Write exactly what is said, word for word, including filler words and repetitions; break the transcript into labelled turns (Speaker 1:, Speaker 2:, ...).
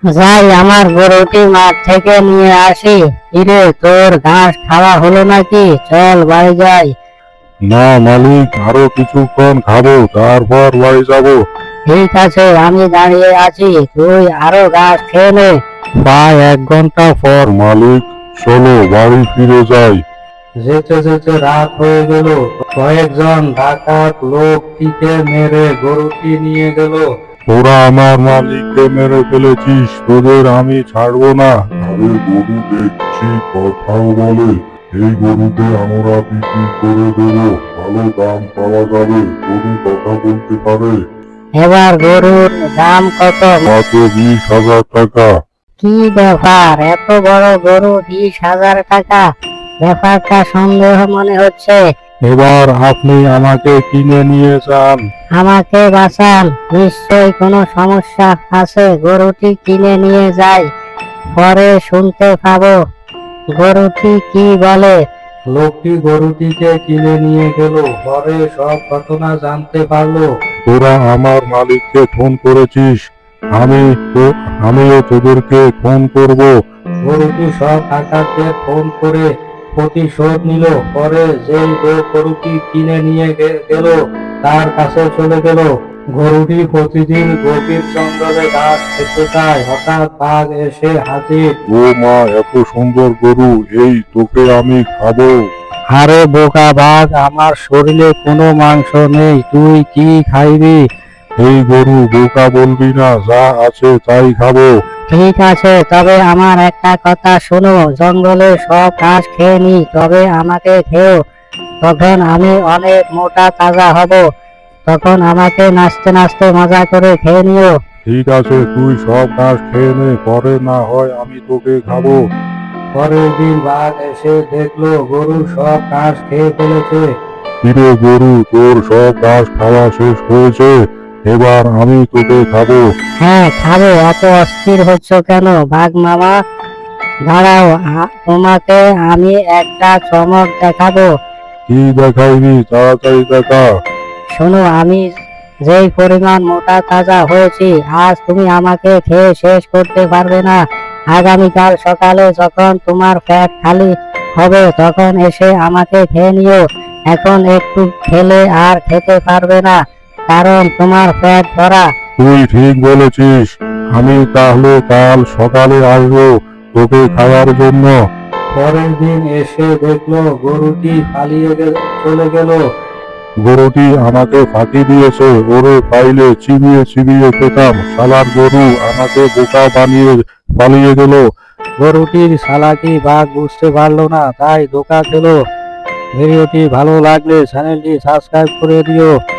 Speaker 1: যাই আমার গরুটি মাঠ থেকে নিয়ে আসি। কিরে, তোর ঘাস খাওয়া হলো নাকি? চল বাড়ি যাই।
Speaker 2: না মালিক, আরো কিছুক্ষণ খাবো, তারপর বাড়ি যাবো।
Speaker 1: ঠিক আছে, আমি দাঁড়িয়ে আছি, তুই আরো ঘাস খেয়ে নে।
Speaker 2: প্রায় এক ঘন্টা পর মালিক, চলো বাড়ি ফিরে যাই।
Speaker 3: যেতে যেতে রাত হয়ে গেল। কয়েকজন ডাকাত লোকটিকে মেরে গরুটি নিয়ে গেল।
Speaker 2: তোরা আমার মালিককে মেরে ফেলেছিস, তোদের আমি ছাড়বো না। আরে গরু দেখছি কথাও বলে, এই গরুকে আমরা বিক্রি করে দেবো, ভালো দাম পাওয়া যাবে। গরু কথা বলতে পারে।
Speaker 1: এবার গরুর দাম কত?
Speaker 2: মাত্র বিশ হাজার টাকা।
Speaker 1: কি ব্যাপার, এত বড় গরু বিশ হাজার টাকা? ব্যাপারটা সন্দেহ মনে হচ্ছে।
Speaker 2: এবার আপনি আমাকে কিনে নিয়ে যান।
Speaker 1: আমাকে বাঁচান, নিশ্চয়ই কোনো সমস্যা আছে। গরুটি কিনে নিয়ে যাই, পরে শুনতে পাবো গরুটি কি বলে।
Speaker 3: লোকটি গরুটিকে কিনে নিয়ে গেল, পরে সব ঘটনা জানতে পারলো।
Speaker 2: তোরা আমার মালিককে ফোন করেছিস, আমি তো আমিও তোদেরকে ফোন করব।
Speaker 3: গরুটি সব ডাকাতদের ফোন করে প্রতিশোধ নিল। পরে যেই লোক গরুটি কিনে নিয়ে গে- গেল তার কাছে চলে গেল। গরুটি প্রতিদিন গভীর জঙ্গলে ঘাস খেতে যায়। হঠাৎ বাঘ এসে হাজির।
Speaker 2: ও মা, এত সুন্দর গরু, এই তোকে আমি খাবো।
Speaker 3: আরে বোকা বাঘ, আমার শরীরে কোনো মাংস নেই, তুই কি খাইবি?
Speaker 2: এই গরু বোকা বলবি না, যা আছে তাই খাবো।
Speaker 1: ঠিক আছে, তবে আমার একটা কথা শোনো, জঙ্গলে সব ঘাস খেয়ে নি, তবে আমাকে খেও। তখন আমি অনেক মোটা তাজা হব, তখন আমাকে নাচতে নাচতে মজা করে খেয়ে নিও।
Speaker 2: ঠিক আছে, তুই সব ঘাস খেয়ে নে, পরে না হয় আমি তোকে খাবো।
Speaker 3: পরের দিন বাঘ এসে দেখলো গরু সব ঘাস খেয়ে ফেলেছে।
Speaker 2: কিরে গরু, তোর সব ঘাস খাওয়া শেষ হয়েছে, এবার আমি তোকে খাবো।
Speaker 1: হ্যাঁ খাবো, এত অস্থির হচ্ছ কেন বাঘ মামা? দাঁড়াও, আ- তোমাকে আমি একটা চমক দেখাবো।
Speaker 2: কি দেখাইবি, তাড়াতাড়ি দেখা।
Speaker 1: শোনো, আমি যেই পরিমাণ মোটা তাজা হয়েছি, আজ তুমি আমাকে খেয়ে শেষ করতে পারবে না। আগামীকাল সকালে যখন তোমার পেট খালি হবে, তখন এসে আমাকে খেয়ে নিও। এখন একটু খেলে আর খেতে পারবে না, কারণ তোমার পেট ভরা।
Speaker 2: তুই ঠিক বলেছিস, আমি তাহলে কাল সকালে আসবো তোকে খাওয়ার জন্য।
Speaker 3: পরের দিন এসে দেখলো গরুটি পালিয়ে গে- চলে গেল।
Speaker 2: গরুটি আমাকে ফাঁকি দিয়েছে, ওরে পাইলে চিবিয়ে চিবিয়ে পেতাম। শালার গরু আমাকে বোকা বানিয়ে পালিয়ে গেল।
Speaker 3: গরুটির চালাকি বাঘ বুঝতে পারলো না, তাই ধোকা খেলো। ভিডিওটি ভালো লাগলে চ্যানেলটি সাবস্ক্রাইব করে দিও।